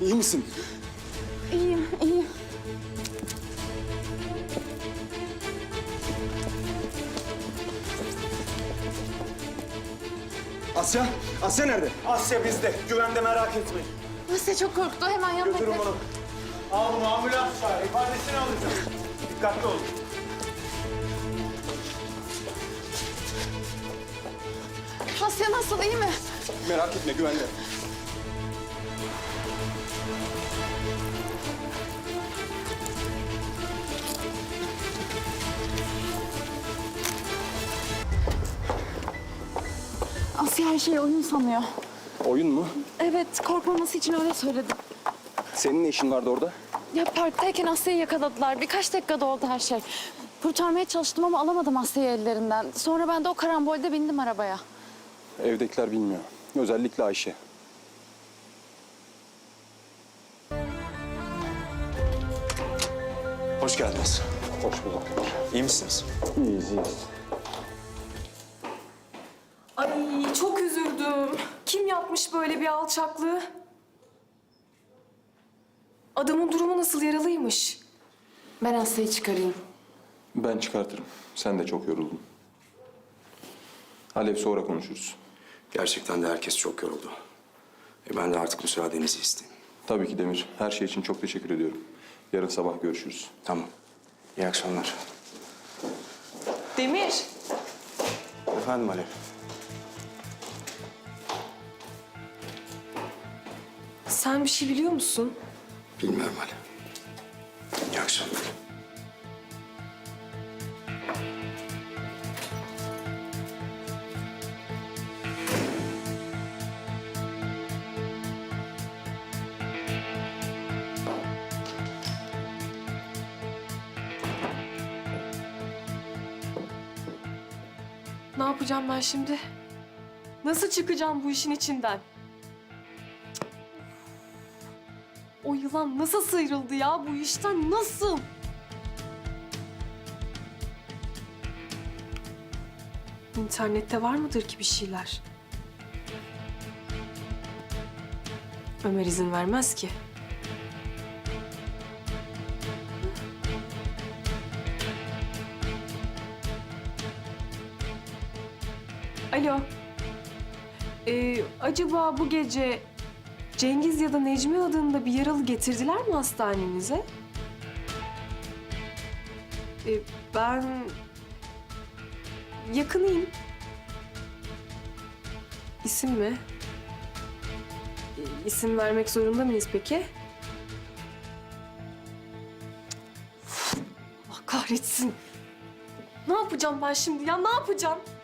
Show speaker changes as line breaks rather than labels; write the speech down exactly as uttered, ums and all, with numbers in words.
İyi misin?
İyiyim, iyiyim.
Asya, Asya nerede?
Asya bizde. Güvende, merak etmeyin.
Asya çok korktu. Hemen yanına
Götürün
git.
bunu. Al bunu, ambulans çağır. İfadesini alacağım. Dikkatli olun.
Asya nasıl, iyi mi?
Merak etme, güvende.
Asya her şeyi oyun sanıyor.
Oyun mu?
Evet, korkmaması için öyle söyledim.
Senin ne işin vardı orada?
Ya parktayken Asya'yı yakaladılar. Birkaç dakikada oldu her şey. Kurtarmaya çalıştım ama alamadım Asya'yı ellerinden. Sonra ben de o karambolde bindim arabaya.
Evdekiler bilmiyor. Özellikle Ayşe.
Hoş geldiniz.
Hoş bulduk.
İyi misiniz?
İyiyiz, iyiyiz.
Ay çok üzüldüm. Kim yapmış böyle bir alçaklığı? Adamın durumu nasıl, yaralıymış? Ben Asya'yı çıkarayım.
Ben çıkartırım. Sen de çok yoruldun. Alev sonra konuşuruz.
Gerçekten de herkes çok yoruldu. E ben de artık müsaadenizi isteyeyim.
Tabii ki Demir. Her şey için çok teşekkür ediyorum. Yarın sabah görüşürüz.
Tamam. İyi akşamlar.
Demir.
Efendim Alev.
Sen bir şey biliyor musun?
Bilmiyorum Alev. İyi akşamlar.
Ne yapacağım ben şimdi? Nasıl çıkacağım bu işin içinden? O yılan nasıl sıyrıldı ya bu işten, nasıl? İnternette var mıdır ki bir şeyler? Ömer izin vermez ki. Alo. Ee, acaba bu gece Cengiz ya da Necmi adında bir yaralı getirdiler mi hastanenize? Ee, ben yakınıyım. İsim mi? Ee, İsim vermek zorunda mıyız peki? Allah kahretsin. Ne yapacağım ben şimdi ya? Ne yapacağım?